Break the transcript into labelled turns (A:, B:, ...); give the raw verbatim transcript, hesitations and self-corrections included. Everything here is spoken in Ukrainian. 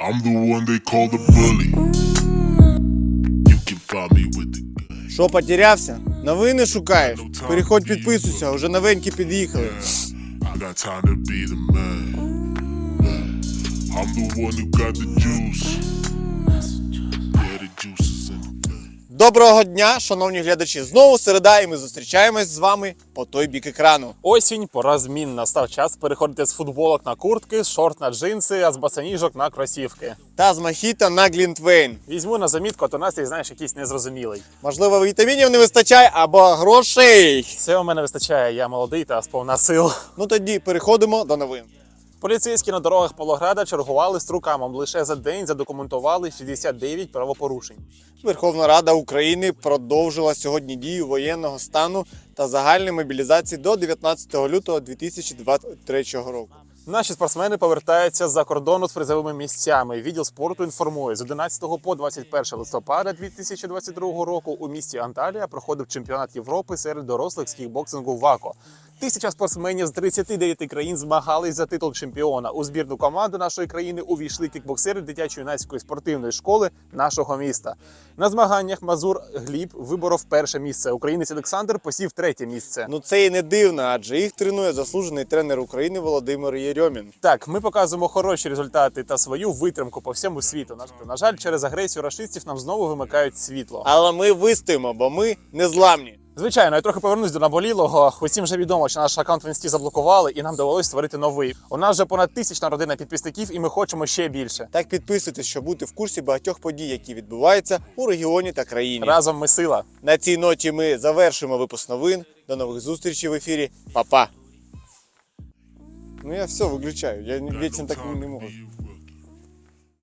A: I'm the one they call the bully. You can find me with the gun.
B: Що, потерявся? Новини шукаєш? Переходь, підписуйся, уже новенькі під'їхали.
A: I got time to be the man. I'm the one who got the juice. Yeah, the juice is in the gun.
B: Доброго дня, шановні глядачі. Знову середа, і ми зустрічаємось з вами по той бік екрану.
C: Осінь, пора змін. Настав час переходити з футболок на куртки, з шорт на джинси, а з босоніжок на кросівки.
B: Та з мохіто на Глінтвейн.
C: Візьму на замітку, а то настрій, знаєш, якийсь незрозумілий.
B: Можливо, вітамінів не вистачає або грошей.
C: Все у мене вистачає, я молодий та сповна сил.
B: Ну тоді переходимо до новин.
C: Поліцейські на дорогах Павлограда чергували з руками. Лише за день задокументували шістдесят дев'ять правопорушень.
B: Верховна Рада України продовжила сьогодні дію воєнного стану та загальної мобілізації до дев'ятнадцятого лютого дві тисячі двадцять третього року.
C: Наші спортсмени повертаються з-за кордону з призовими місцями. Відділ спорту інформує, з одинадцятого по двадцять перше листопада дві тисячі двадцять другого року у місті Анталія проходив чемпіонат Європи серед дорослих з кікбоксингу ВАКО. Тисяча спортсменів з тридцяти дев'яти країн змагались за титул чемпіона. У збірну команду нашої країни увійшли кікбоксери дитячо-юнацької спортивної школи нашого міста. На змаганнях Мазур Гліб виборов перше місце. Українець Олександр посів третє місце.
B: Ну це і не дивно, адже їх тренує заслужений тренер України Володимир Єрьомін.
C: Так, ми показуємо хороші результати та свою витримку по всьому світу. На, на жаль, через агресію рашистів нам знову вимикають світло.
B: Але ми вистоїмо, бо ми незламні.
C: Звичайно, я трохи повернусь до наболілого. Усім вже відомо, що наш аккаунт в інсті заблокували і нам довелось створити новий. У нас вже понад тисячна родина підписників і ми хочемо ще більше.
B: Так підписуйтесь, щоб бути в курсі багатьох подій, які відбуваються у регіоні та країні.
C: Разом ми сила.
B: На цій ноті ми завершимо випуск новин. До нових зустрічей в ефірі. Па-па. Ну я все виключаю, я вічно так не можу.